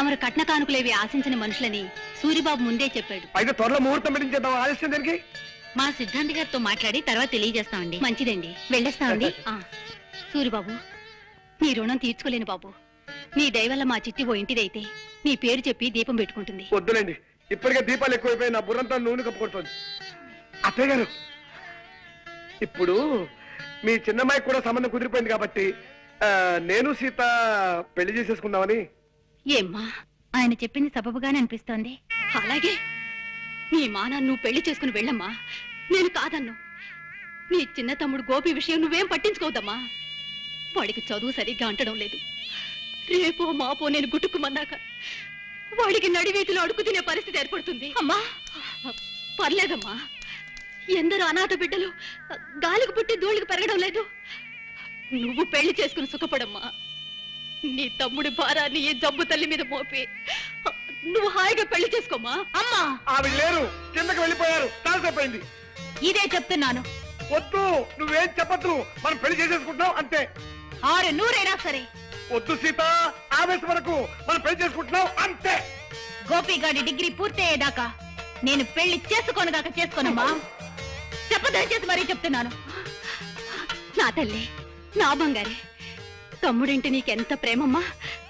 తమరు కట్న కానుకలేవి ఆశించిన మనుషులని సూరిబాబు ముందే చెప్పాడు. అయితే త్వరలో ముహూర్తం పెట్టించేద్దాం. ఆలస్యం దానికి మా సిద్ధాంతి గారితో మాట్లాడి తర్వాత తెలియజేస్తామండి. మంచిదండి, వెళ్ళేస్తామండి. సూరిబాబు, నీ రుణం తీర్చుకోలేను బాబు. నీ దయవల్ల మా చిట్టి ఓ ఇంటిదైతే నీ పేరు చెప్పి దీపం పెట్టుకుంటుంది. వద్దులేండి, ఇప్పటికే దీపాలు ఎక్కువైపోయి నా బుర్రంతా నూనె కప్పుకొడుతుంది. అత్తయ్య గారు, ఇప్పుడు మీ చిన్నమ్మాయికి కూడా సంబంధం కుదిరిపోయింది కాబట్టి నేను సీత పెళ్లి చేసేసుకుందామని. ఏమ్మా, ఆయన చెప్పింది సబబుగానే అనిపిస్తోంది. అలాగే నీ మానాన్ని నువ్వు పెళ్లి చేసుకుని వెళ్ళమ్మా, నేను కాదన్ను. నీ చిన్న తమ్ముడు గోపి విషయం నువ్వేం పట్టించుకోవద్దమ్మా. వాడికి చదువు సరిగ్గా అంటడం లేదు. రేపో మాపో నేను గుట్టుకుమన్నాక వాడికి నడివీధిలో అడుగు తినే పరిస్థితి ఏర్పడుతుంది. అమ్మా పర్లేదమ్మా, ఎందరో అనాథ బిడ్డలు గాలికి పుట్టి ధూళికి పెరగడం లేదు. నువ్వు పెళ్లి చేసుకుని సుఖపడమ్మా. నీ తమ్ముడి భారాన్ని ఈ జబ్బు తల్లి మీద మోపి నువ్వు హాయిగా పెళ్లి చేసుకోమా. అమ్మా, ఆవిడ లేరు, కిందకి వెళ్ళిపోయారు. తాల్సైపోయింది. ఇదే చెప్తున్నాను. వద్దు, నువ్వేం చెప్పద్దు. మనం పెళ్లి చేసేసుకుంటున్నాం అంతే. 600 సరే. వద్దు సీత, ఆవేశం వరకు మనం పెళ్లి చేసుకుంటున్నాం అంతే. గోపిగాడి డిగ్రీ పూర్తయ్యేదాకా నేను పెళ్లి చేసుకోనుగాక చేసుకోనమ్మా. చెప్పదయచేసి మరీ చెప్తున్నాను. నా తల్లి, నా బంగారే, తమ్ముడింటి నీకెంత ప్రేమమ్మా.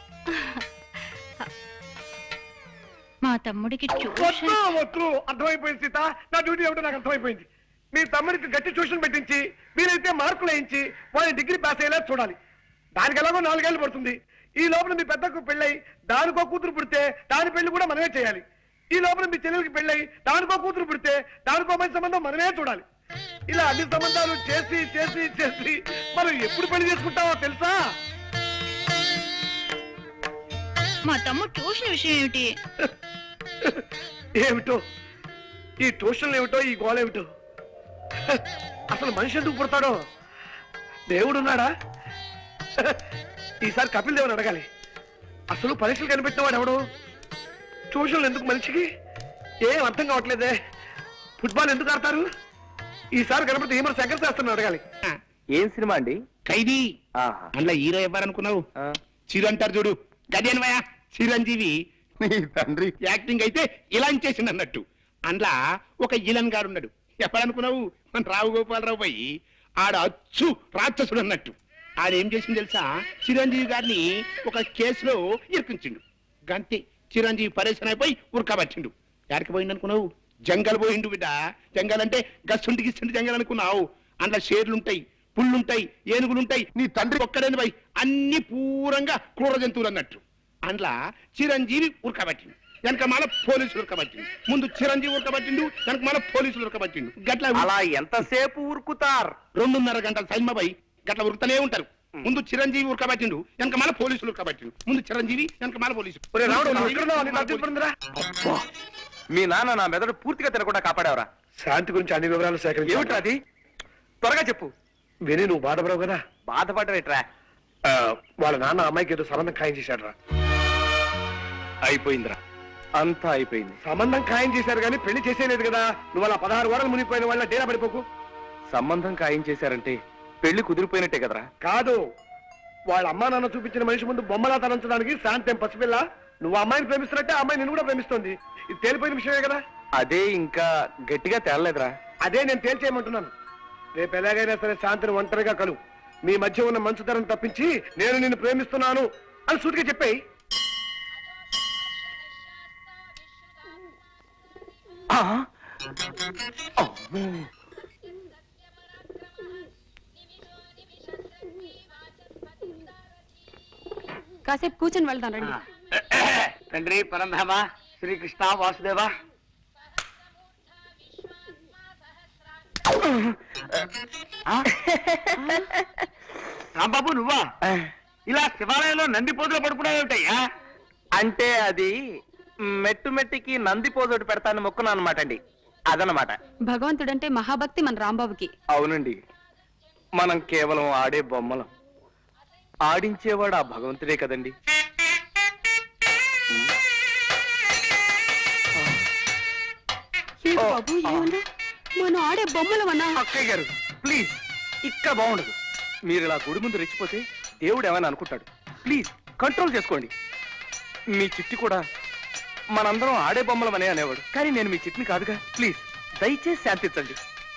మా తమ్ముడికి వద్దు, అర్థమైపోయింది సీత. నా డ్యూటీ ఏమిటో నాకు అర్థమైపోయింది. మీ తమ్ముడికి గట్టి ట్యూషన్ పెట్టించి మీరైతే మార్కులు వేయించి వాళ్ళని డిగ్రీ పాస్ అయ్యేలా చూడాలి. దానికి ఎలాగో 4 ఏళ్ళు పడుతుంది. ఈ లోపల మీ పెద్దకు పెళ్ళై దానికో కూతురు పుడితే దాని పెళ్లి కూడా మనమే చేయాలి. ఈ లోపల మీ చెల్లెలకి పెళ్ళై దానికో కూతురు పుడితే దానికో మంచి సంబంధం మనమే చూడాలి. ఇలా అన్ని సంబంధాలు చేసి చేసి చేసి మనం ఎప్పుడు పెళ్లి చేసుకుంటామో తెలుసా? మా తమ్ముడు ట్యూషన్ విషయం ఏమిటి? ఏమిటో ఈ ట్యూషన్లు ఏమిటో, ఈ గోళ ఏమిటో. అసలు మనిషి ఎందుకు పుడతాడో? దేవుడున్నాడా? ఈసారి కపిల్ దేవుని అడగాలి. అసలు పరీక్షలు కనిపెట్టిన వాడు ఎవడు? ట్యూషన్లు ఎందుకు మనిషికి? ఏం అర్థం కావట్లేదే. ఫుట్బాల్ ఎందుకు ఆడతారు? ఈసారి కనపడితే ఏమో శంకర్ శాస్త్రం అడగాలి. ఏం సినిమా అండి? ఖైదీ. అందులో హీరో ఎవరనుకున్నావు? చిరు అంటారు చూడు, గదేనవయా చిరంజీవి. తండ్రి యాక్టింగ్ అయితే ఇలా చేసింది అన్నట్టు. అందులో ఒక ఇలన్ గారు ఉన్నాడు. ఎప్పుడనుకున్నావు? మన రావు గోపాలరావు పోయి ఆడ అచ్చు రాక్షసుడు అన్నట్టు. ఆడేం చేసింది తెలుసా? చిరంజీవి గారిని ఒక కేసులో ఇరికించిండు. గంతే, చిరంజీవి పరేషన్ అయిపోయి ఉరకబట్టిండు. ఎక్కడికి పోయిండు అనుకున్నావు? జంగల్ పోయిండు బిడ్డ. జంగల్ అంటే గస్సుంటి గిస్సుంటి జంగల్ అనుకున్నావు. అందులో షేర్లుంటాయి, పుళ్ళుంటాయి, ఏనుగులుంటాయి. నీ తండ్రి ఒక్కడేని పోయి అన్ని పూరంగా క్రూర జంతువులు అన్నట్టు. అందులో చిరంజీవి ఉరకబట్టిండు. వెనక మళ్ళీ పోలీసులు ఉరకబట్టిండు. ముందు చిరంజీవి ఉరకబట్టిండు, వెనక మళ్ళీ పోలీసులు ఉరకబట్టిండు. గట్ల అలా ఎంతసేపు ఉరుకుతారు? 2.5 గంటల సైన్మబాయి గట్ల ఉరుకుతూనే ఉంటారు. ముందు చిరంజీవి ఉరకబట్టిండు, వెనక మళ్ళీ పోలీసులు ఉరకబట్టిండు. ముందు చిరంజీవి, వెనక మళ్ళీ పోలీసులు. మీ నాన్న నా మెదడు పూర్తిగా తినకుండా కాపాడేవరా? శాంతి గురించి అన్ని వివరాలు సేకరించి ఏమిట్రా అది? త్వరగా చెప్పు. విని నువ్వు బాధపడవు కదా. బాధపడరేట్రా? వాళ్ళ నాన్న అమ్మాయికి ఏదో సంబంధం ఖాయం చేశాడు రా. అయిపోయిందిరా, అంతా అయిపోయింది. సంబంధం ఖాయం చేశారు కానీ పెళ్లి చేసేలేదు కదా. నువ్వు అలా 16 వారాలు మునిగిపోయిన వాళ్ళ డేరా పడిపోకు. సంబంధం ఖాయం చేశారంటే పెళ్లి కుదిరిపోయినట్టే కదరా? కాదు, వాళ్ళ అమ్మా నాన్న చూపించిన మనిషి ముందు బొమ్మలా తలంచడానికి శాంతి పసిపిల్ల. నువ్వు అమ్మాయిని ప్రేమిస్తున్నట్టే అమ్మాయి నిన్ను కూడా ప్రేమిస్తుంది. ఇది తేలిపోయిన విషయమే కదా. అదే ఇంకా గట్టిగా తేలలేదురా. అదే నేను తేల్చేయమంటున్నాను. రేపు ఎలాగైనా సరే శాంతిని ఒంటరిగా కలు. మీ మధ్య ఉన్న మంచుతనం తప్పించి నేను నిన్ను ప్రేమిస్తున్నాను అని సూటిగా చెప్పాయి. కాసేపు కూర్చొని వెళ్దాం రండి. తండ్రి పరంధామ శ్రీకృష్ణ వాసుదేవ. రాంబాబు నువ్వా? ఇలా శివాలయంలో నంది పోజులో పడుకున్నావుటయ్యా? అంటే అది మెట్టు మెట్టికి నంది పోజోటి పెడతాను మొక్కున్నా అనమాట అండి. అదనమాట. భగవంతుడంటే మహాభక్తి మన రాంబాబుకి. అవునండి, మనం కేవలం ఆడే బొమ్మలం. ఆడించేవాడు ఆ భగవంతుడే కదండి. మనం ఆడే బొమ్మలం అన్నా. అక్కయ్య గారు ప్లీజ్, ఇక్కడ బాగుండదు. మీరు ఇలా గుడి ముందు రెచ్చిపోతే దేవుడు ఏమైనా అనుకుంటాడు. ప్లీజ్ కంట్రోల్ చేసుకోండి. మీ చిట్టి కూడా మనందరం ఆడే బొమ్మలమనే అనేవాడు, కానీ నేను మీ చిట్టిని కాదుగా. ప్లీజ్ దయచేసి శాంతించండి.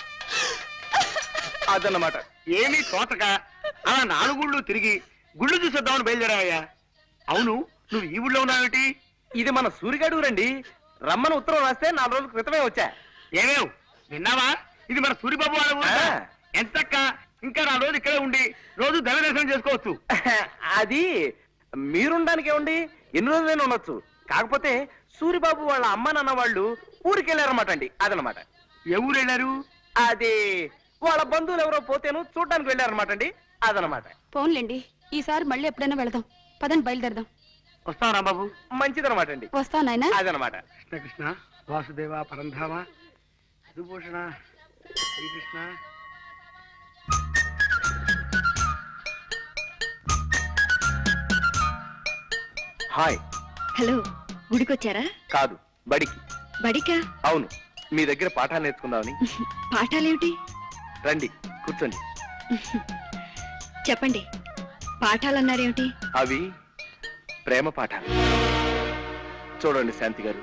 అదన్నమాట. ఏమీ తోచక అలా 4 గుళ్ళు తిరిగి గుళ్ళు చూసేద్దామని బయలుదేరావయ్యా. అవును, నువ్వు ఈ ఊళ్ళో ఉన్నావేటి? ఇది మన సూరిగాడు రండి. రమ్మని ఉత్తరం రాస్తే 4 రోజుల క్రితమే వచ్చా. ఏమేవ్ విన్నావా? ఇది మన సూరిబాబు వాళ్ళ ఊరు. ఆ. ఎంతక్క ఇంకా 4 రోజులు ఇక్కడే ఉండి రోజు దైవ దర్శనం చేసుకోవచ్చు. అది మీరుండడానికి ఏమండి, ఎన్ని రోజులైనా ఉండొచ్చు. కాకపోతే సూరిబాబు వాళ్ళ అమ్మ నాన్న వాళ్ళు ఊరికి వెళ్ళారన్నమాట అండి. అదనమాట. ఏ ఊరు వెళ్ళారు? అది వాళ్ళ బంధువులు ఎవరో పోతేను చూడడానికి వెళ్ళారన్నమాట అండి. అదనమాట. ఫోన్లేండి, ఈసారి మళ్ళీ ఎప్పుడైనా వెళదాం. పదండి, బయలుదేరదాం. వస్తావు రాంబాబు? మంచిదనమాట అండి. వస్తా నాయనా. అదనమాట. కృష్ణ కృష్ణ వాసుదేవ పరంధామ మధుభూషణ శ్రీకృష్ణ. హాయ్. హలో, గుడికొచ్చారా? కాదు, బడికి. బడికా? అవును, మీ దగ్గర పాఠాలు నేర్చుకుందామని. పాఠాలేమిటి? రండి కూర్చోండి. చెప్పండి, పాఠాలన్నారేమిటి? అవి ప్రేమ పాఠాలు. చూడండి శాంతి గారు,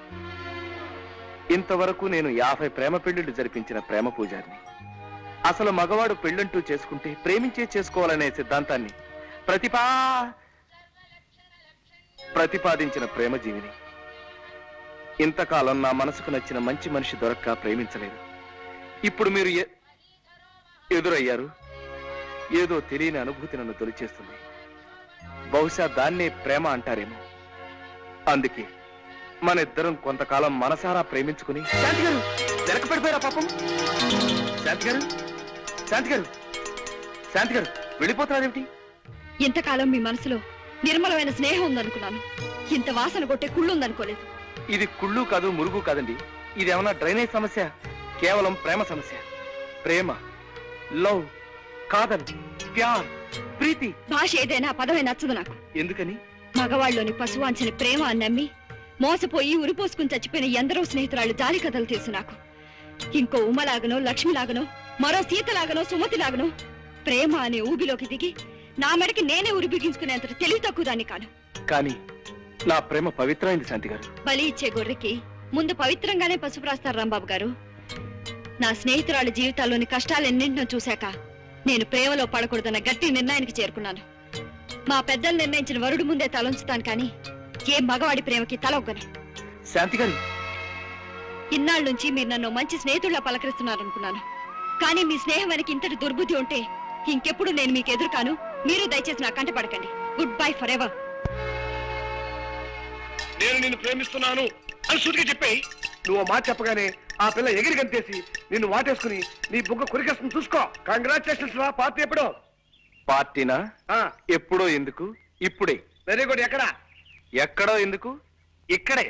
ఇంతవరకు నేను 50 ప్రేమ పెళ్లిళ్లు జరిపించిన ప్రేమ పూజారిని. అసలు మగవాడు పెళ్ళంటూ చేసుకుంటే ప్రేమించే చేసుకోవాలనే సిద్ధాంతాన్ని ప్రతిపాదించిన ప్రేమ జీవిని. ఇంతకాలం నా మనసుకు నచ్చిన మంచి మనిషి దొరక్క ప్రేమించలేదు. ఇప్పుడు మీరు ఎదురయ్యారు. ఏదో తెలియని అనుభూతి నన్ను తొలిచేస్తుంది. బహుశా దాన్నే ప్రేమ అంటారేమో. అందుకే మన ఇద్దరం కొంతకాలం మనసారా ప్రేమించుకుని. శాంతి గారు వెనక పడిపోయారా పాపం? శాంతి గారు, శాంతి గారు, శాంతి గారు వెళ్ళిపోతున్నారేమిటి? ఇంతకాలం మీ మనసులో నిర్మలమైన స్నేహం ఉందనుకున్నాను. ఇంత వాసన కొట్టే కుళ్ళు ఉందనుకోలేదు. ఇది కుళ్ళు కాదు, మురుగు కాదండి. ఇది ఏమన్నా డ్రైనేజ్ సమస్య? కేవలం ప్రేమ సమస్య. ప్రేమ, లవ్, కాదల్, ప్యార్, ప్రీతి. భాష ఏదైనా పదమే నచ్చదు నాకు. ఎందుకని? మగవాళ్ళలోని పశువాంచిన ప్రేమ అని నమ్మి మోసపోయి ఉరిపోసుకుని చచ్చిపోయిన ఎందరో స్నేహితురాళ్ళు జాలి కథలు తెలుసు నాకు. ఇంకో ఉమ్మలాగనో, లక్ష్మిలాగనో, మరో సీతలాగనో, సుమతిలాగనో ప్రేమ అనే ఊబిలోకి దిగి నా మెడకి నేనే ఉరి బిగించుకునేంత తెలివి తక్కువ దాన్ని కాను. కానీ నా ప్రేమ పవిత్రమైంది శాంతి గారు. బలి ఇచ్చే గొర్రెకి ముందు పవిత్రంగానే పసుపు రాస్తారు రాంబాబు గారు. నా స్నేహితురాళ్ళ జీవితాల్లోని కష్టాలెన్నింటినో చూశాక నేను ప్రేమలో పడకూడదన్న గట్టి నిర్ణయానికి చేరుకున్నాను. మా పెద్దలు నిర్ణయించిన వరుడు ముందే తలంచుతాను, కానీ ఏ మగవాడి ప్రేమకి తలొగ్గను. శాంతి గారు, ఇన్నాళ్ళ నుంచి మీరు నన్ను మంచి స్నేహితుల్లా పలకరిస్తున్నారనుకున్నాను. కానీ మీ స్నేహం వెనక ఇంతటి దుర్బుద్ధి ఉంటే ఇంకెప్పుడు నేను మీకు ఎదురు కాను. మీరు దయచేసి నా కంట పడకండి. Goodbye forever. నేను నిన్ను ప్రేమిస్తున్నాను అని సూటిగా చెప్పాయి. నువ్వు ఆ మాట చెప్పగానే ఆ పిల్ల ఎగిరి గంతేసి నిన్ను వాటేసుకుని నీ బుగ్గ కొరికేస్తుంది. చూసుకో. కంగ్రాచులేషన్స్ రా. పార్టీ ఎప్పుడో? పార్టీనా? ఎప్పుడో ఎందుకు? ఇప్పుడే. Very good. ఎక్కడ? ఎక్కడో ఎందుకు? ఇక్కడే.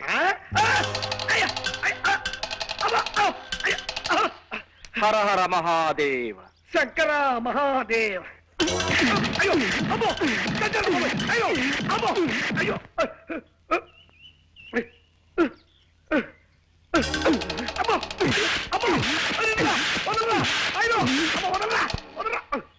హర హర మహాదేవ. శంకర మహాదేవ. అయ్యో అమ్మో, అయ్యో అమ్మో, అయ్యో అమ్మో అమ్మో, వదలరా, అయ్యో అమ్మో, వదలరా, వదలరా.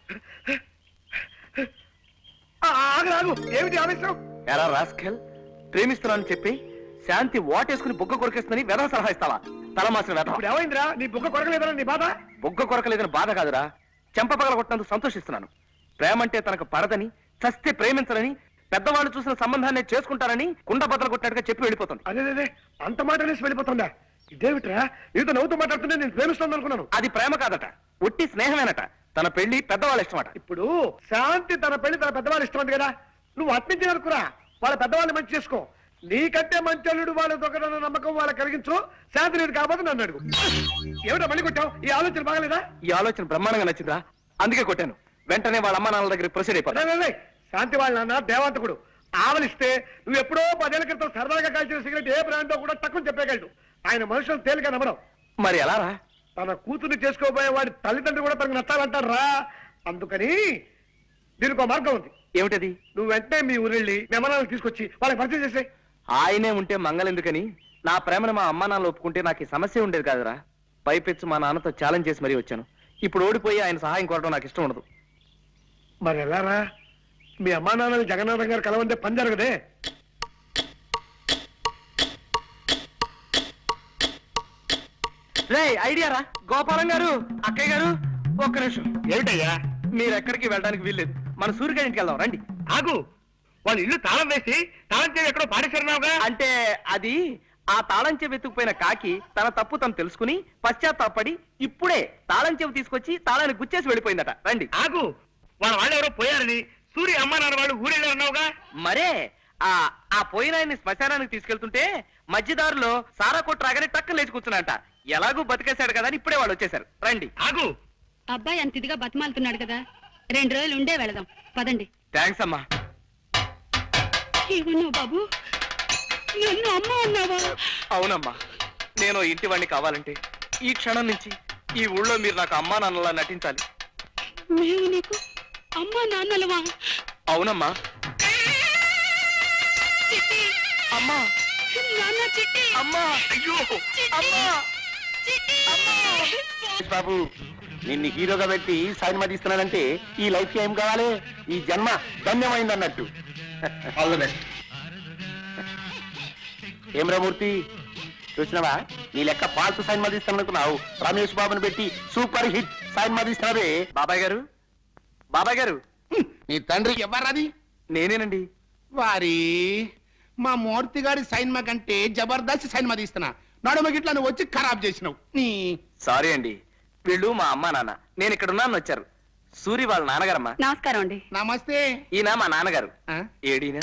ఆగు ఆగు, ఏమిటి ఆవేశం? ఎరా రాస్కెల్, ప్రేమిస్తున్నానని చెప్పి శాంతి వాటేసుకుని బుగ్గ కొరికేస్తుందని వెధవ సలహా ఇస్తావా? తలమాసిన వెధవ. ఇప్పుడు ఏమైందిరా? నీ బుగ్గ కొరకలేదరా నీ బాధ? బుగ్గ కొరకలేదని బాధ కాదురా, చెంప పగల కొట్టినందుకు సంతోషిస్తున్నాను. ప్రేమంటే తనకు పడదని, చస్తే ప్రేమించరని, పెద్దవాళ్ళు చూసిన సంబంధాన్ని చేసుకుంటారని కుండ బద్దలు కొట్టినట్టుగా చెప్పి వెళ్ళిపోతుంది. అదే అంత మాట అనేసి వెళ్ళిపోతుందా? ఇదేమిట్రా, నీతో నవ్వుతూ మాట్లాడుతుంటే నేను ప్రేమిస్తాను అనుకున్నాను. అది ప్రేమ కాదట, ఒట్టి స్నేహమేనట. తన పెళ్లి పెద్దవాళ్ళ ఇష్టమట. ఇప్పుడు శాంతి తన పెళ్లి తన పెద్దవాళ్ళు ఇష్టం కదా, నువ్వు అట్నుంచి అనుకురా. వాళ్ళ పెద్దవాళ్ళని మంచి చేసుకో. నీకంటే మంచి అల్లుడు వాళ్ళ దొంగదన్న నమ్మకం వాళ్ళకి కలిగించు. శాంతి నేను కాకపోతే నన్ను అడుగు. ఏమిటో మళ్ళీ కొట్టావు? ఈ ఆలోచన బాగలేదా? ఈ ఆలోచన బ్రహ్మాండంగా నచ్చిందా? అందుకే కొట్టాను. వెంటనే వాళ్ళ అమ్మ నాన్నల దగ్గర ప్రొసీడ్ అయిపోతా. శాంతి వాళ్ళ నాన్న దేవాంతకుడు. ఆవలిస్తే నువ్వు ఎప్పుడో 10 ఏళ్ల క్రితం సరదాగా కాల్చిన సిగరెట్ ఏ బ్రాండో కూడా తక్కువ చెప్పగలడు. ఆయన మనుషులు తేలిక నమ్మడం. మరి ఎలా రా? తన కూతుర్ని చేసుకోబోయే వాడి తల్లిదండ్రులు కూడా తనకు నచ్చాలంటారు రా. అందుకని దీనికి ఒక మార్గం ఉంది. ఏమిటది? నువ్వు వెంటనే మీ ఊరెళ్ళి మెమనాలను తీసుకొచ్చి వాళ్ళకి పరిచయం చేసే. ఆయనే ఉంటే మంగళెందుకని నా ప్రేమను మా అమ్మ నాన్నలు ఒప్పుకుంటే నాకు ఈ సమస్య ఉండేది కాదురా. పైపెచ్చు మా నాన్నతో ఛాలెంజ్ చేసి మరీ వచ్చాను. ఇప్పుడు ఓడిపోయి ఆయన సహాయం కోరడం నాకు ఇష్టం ఉండదు. మరి ఎలారా? మీ అమ్మా నాన్నని జగన్నాథం గారు కలవంటే పని జరగదే. రే ఐడియా రా గోపాలం గారు, అక్కయ్య గారు, ఒక్క నిమిషం. ఏమిటయ్యా? మీరు ఎక్కడికి వెళ్ళడానికి వీల్లేదు, మన సూర్యగారి ఇంటికి వెళ్దాం రండి. ఆగు, వాళ్ళ ఇల్లు తాళం వేసి తాళం చేసి ఎక్కడో పాడేశారున్నావుగా. అంటే అది ఆ తాళం చెవి ఎత్తుకుపోయిన కాకి తన తప్పు తను తెలుసుకుని పశ్చాత్తాపడి ఇప్పుడే తాళం చెవి తీసుకొచ్చి తాళాన్ని గుచ్చేసి వెళ్ళిపోయిందట. రండి. ఆగు, వాళ్ళు ఎవరో పోయారని సూర్య అమ్మ నాన్న వాళ్ళు ఊరెళ్ళారన్నావుగా. మరే ఆ పోయిన ఆయన్ని శ్మశానానికి తీసుకెళ్తుంటే మధ్యదారులో సారా కొట్టు రాగానే టక్కన లేచి కూర్చున్నాంట. ఎలాగూ బతికేశాడు కదా అని ఇప్పుడే వాళ్ళు వచ్చేసారు. రండి. ఆగు, అబ్బాయి అంత ఇదిగా బతిమాలుతున్నాడు కదా, 2 రోజులు ఉండే వెళదాం పదండి. థ్యాంక్స్ అమ్మా. ఏమన్నావు బాబు? నన్ను అమ్మ అన్నావా? అవునమ్మా, నేను ఇంటి వాడిని కావాలంటే ఈ క్షణం నుంచి ఈ ఊళ్ళో మీరు నాకు అమ్మా నాన్నలా నటించాలి. మేము నీకు అమ్మా నాన్నలవా? అవునమ్మా. చిట్టి, అమ్మా, నాన్న చిట్టి, అమ్మా, అయ్యో, అమ్మా, చిట్టి. బాబు, నిన్ను హీరోగా పెట్టి సినిమా తీస్తున్నానంటే ఈ లైఫ్ ఏం కావాలి? ఈ జన్మ ధన్యమైంది అన్నట్టు. All the best. ఏం రామూర్తి, చూసినావా? నీ లెక్క పాల్తు సినిమా తీస్తాననుకున్నావు, రమేష్ బాబుని పెట్టి సూపర్ హిట్ సినిమా తీస్తున్నావే. బాబాయ్ గారు, బాబాయ్ గారు, నీ తండ్రి ఎవర్రాది? నేనేనండి. వారి మా మూర్తి గారి సైన్మా కంటే జబర్దస్త్ సైన్మా తీస్తున్నా, నడుమ గిట్లా నువ్వు వచ్చి ఖరాబ్ చేసినావు. నీ సారీ అండి, వీళ్ళు మా అమ్మా నాన్న, నేను ఇక్కడ ఉన్నాను వచ్చారు. సూరి వాళ్ళ నాన్నగారమ్మా. నమస్కారం అండి. నమస్తే. ఈయన మా నాన్నగారు. ఆ? ఏడీనా?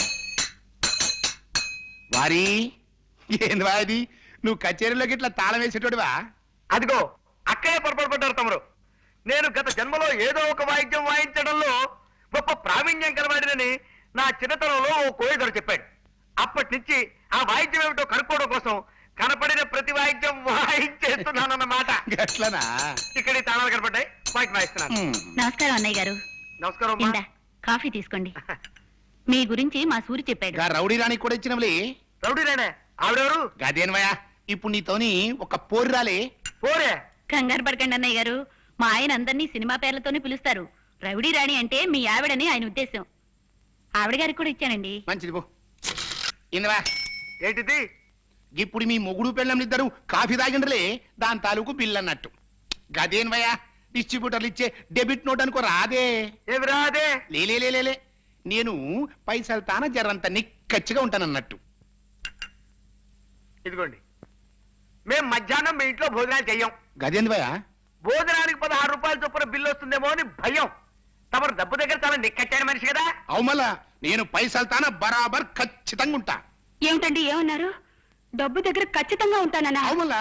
వారి ఏంది వాది, నువ్వు కచేరీలోకి ఇట్లా తాళం వేసేటోడివా? అదిగో అక్కడే పొరపాటు పడ్డారు తమరు. నేను గత జన్మలో ఏదో ఒక వాయిద్యం వాయించడంలో గొప్ప ప్రావీణ్యం కలవాడినని నా చిన్నతనంలో ఓ కోయిదరు చెప్పాడు. అప్పటి నుంచి ఆ వాయిద్యం ఏమిటో కనుక్కోవడం కోసం కనపడిన ప్రతి వాయిద్యం వాయించేస్తున్నానన్నమాట. గట్లనా? ఇక్కడ ఈ తాళాలు కనపడ్డాయి, వాయిద్యం వాయిస్తున్నాను. నమస్కారం అన్నయ్య గారు. నమస్కారం అమ్మా. ఇందా కాఫీ తీసుకోండి. మీ గురించి మా సూరి చెప్పాడు. గా రౌడీ రాణి కూడా ఇచ్చినవులే. రౌడీనేనే ఆవిడెవరు? గదేన్వయా, ఇప్పుడు నీతోని ఒక పోరు రాలే. పోరే. కంగారు పడకండి అన్నయ్య గారు, మా ఆయన అందరినీ సినిమా పేర్లతోనే పిలుస్తారు. రౌడీ రాణి అంటే మీ ఆవిడని ఆయన ఉద్దేశం. ఆవిడ గారికి కూడా ఇచ్చానండి. మంచిది పో. ఇందవా, ఏంటిది? ఇప్పుడు మీ మొగుడు పెళ్ళంలిద్దరు కాఫీ తాగిండ్రలే, దాని తాలూకు బిల్ అన్నట్టు. గదేన్వయా, డిస్ట్రిబ్యూటర్లు ఇచ్చే డెబిట్ నోట్ అనుకో రాదే. ఏమి రాదే? లేలే, నేను పైసలు తాన జరంత నిక్కచ్చిగా ఉంటానన్నట్టు. ఇదిగోండి, మేం మధ్యాహ్నం మీ ఇంట్లో భోజనాలు చెయ్యం. గదేంద్వయా, భోజనానికి 16 రూపాయల చొప్పున బిల్లు వస్తుందేమో అని భయం. తమరు డబ్బు దగ్గర చాలా నిక్కచ్చాడు మనిషి కదా. అవుమలా నేను పైసలు తాన బరాబర్ ఖచ్చితంగా ఉంటా. ఏమిటండి ఏమన్నారు? డబ్బు దగ్గర ఖచ్చితంగా ఉంటానన్నా? అవుమలా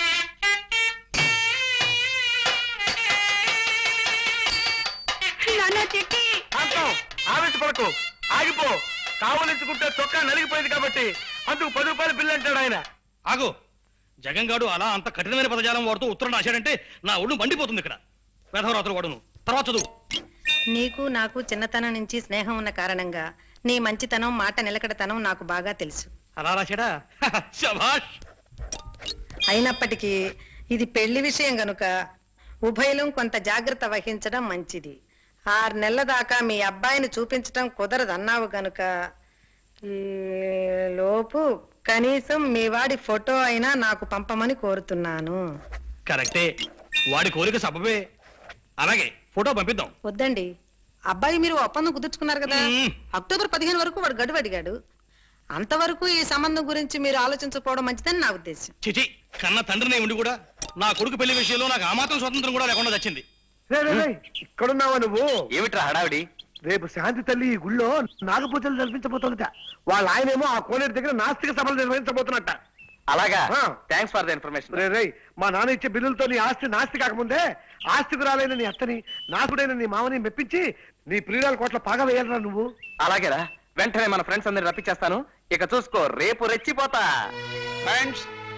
నాన్న చిట్టి. శాంతం, ఆవేశపడకు, ఆగిపో. కావలించుకుంటే చొక్కా నలిగిపోయింది కాబట్టి అందుకు 10 రూపాయల బిల్లు అంటాడు ఆయన. ఆగు, జగంగాడు అలా అంత కఠినమైన పదజాలం వాడుతూ ఉత్తరం రాశాడంటే నా ఒళ్ళు మండిపోతుంది. ఇక్కడ వేధవరాత్రులు వాడును. తర్వాత చదువు. నీకు నాకు చిన్నతనం నుంచి స్నేహం ఉన్న కారణంగా నీ మంచితనం, మాట నిలకడతనం నాకు బాగా తెలుసు. అలా రాశాడా? శభాష్. అయినప్పటికీ ఇది పెళ్లి విషయం గనుక ఉభయలం కొంత జాగ్రత్త వహించడం మంచిది. 6 నెలల దాకా మీ అబ్బాయిని చూపించటం కుదరదన్నావు గనుక ఈ లోపు కనీసం మీ వాడి ఫోటో అయినా నాకు పంపమని కోరుతున్నాను. కరెక్టే, వాడి కోరిక సబబే. అలాగే ఫోటో పంపిద్దాం. వద్దండి, అబ్బాయి మీరు ఒప్పందం కుదుర్చుకున్నారు కదా. అక్టోబర్ 15 వరకు వాడు గడువు అడిగాడు. అంతవరకు ఈ సంబంధం గురించి మీరు ఆలోచించకపోవడం మంచిదని నా ఉద్దేశం. చిచి, కన్న తండ్రినే ఉండి కూడా నా కొడుకు పెళ్లి విషయంలో నాకు ఆ మాత్రం స్వతంత్రం కూడా లేకుండా వచ్చింది. ఇక్కడున్నావా నువ్వు? ఏమిట్రా హడావిడి? రేపు శాంతి తల్లి ఈ గుళ్ళో నాగపూజలు జరిపించబోతుందట. వాళ్ళ ఆయనేమో ఆ కోనేరు దగ్గర నాస్తిక సభలు నిర్వహించబోతున్నట్ట. అలాగా? ఆ. Thanks for the information. రే, మా నాన్న ఇచ్చే బిల్లులతో నీ ఆస్తి నాస్తి కాకముందే ఆస్తికురాలైన నీ అత్తని, నాకుడైన నీ మామని మెప్పించి నీ ప్రియురాల కోట్ల పాగా వేయాలరా నువ్వు. అలాగేరా, వెంటనే మన ఫ్రెండ్స్ అందరిని రప్పించేస్తాను. ఇక చూసుకో, రేపు రెచ్చిపోతా. ఫ్రెండ్స్,